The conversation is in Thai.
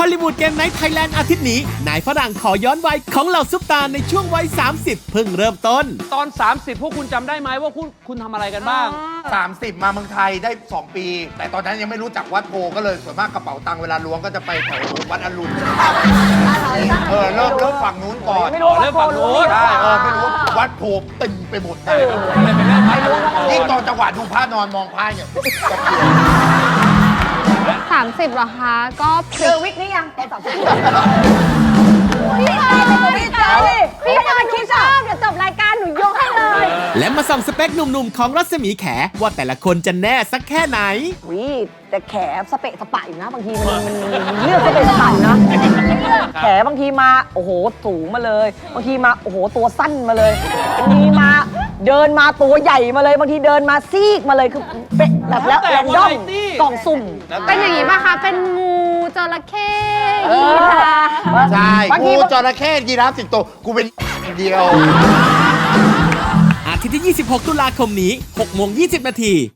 อลลีวูดเกมไนท์ไทยแลนด์อาทิตย์นี้นายฝรั่งขอย้อนวัยของเหล่าซุปตาในช่วงวัย 30 เพิ่งเริ่มต้นตอน 30 พวกคุณจำได้ไหมว่าคุณทำอะไรกันบ้าง 30 มาเมืองไทยได้ 2 ปี แต่ตอนนั้นยังไม่รู้จักวัดโพก็เลยส่วนมากกระเป๋าตังค์เวลาล้วงก็จะไปแถววัดอรุณเริ่มฝั่งนู้นก่อนไม่รู้เริ่มฝั่งนู้นใช่ไม่รู้วัดโพตึงไปหมดเลยยิ่งตอนจังหวะดูพระนอนมองพระเนี่ยจะเปลี่ยน 30เหรอคะก็เจอวิกนี่ยังตอน30พี่ชายพี่ชายคิดชอบเดี๋ยวจบรายการหนูยกให้เลยและมาส่องสเปคหนุ่มๆของรัศมีแขว่าแต่ละคนจะแน่สักแค่ไหนวิแต่แขสเปะสปะอยู่นะบางทีมันเลือกสเปะสปะอยู่นะแขบางทีมาโอ้โหสูงมาเลยบางทีมาโอ้โหตัวสั้นมาเลยบางทีมาเดินมาตัวใหญ่มาเลยบางทีเดินมาซีกมาเลยคือเป็นแบบแล้วแรนดอมกล่องสุ่มเป็นอย่างนี้ป่ะคะ เป็นงูจระเข้ยีราฟใช่บางทีกูจระเข้ยีราฟสิงโตกูเป็นเดียวอาทิตย์ที่ 26 ตุลาคมนี้ 6:20 น.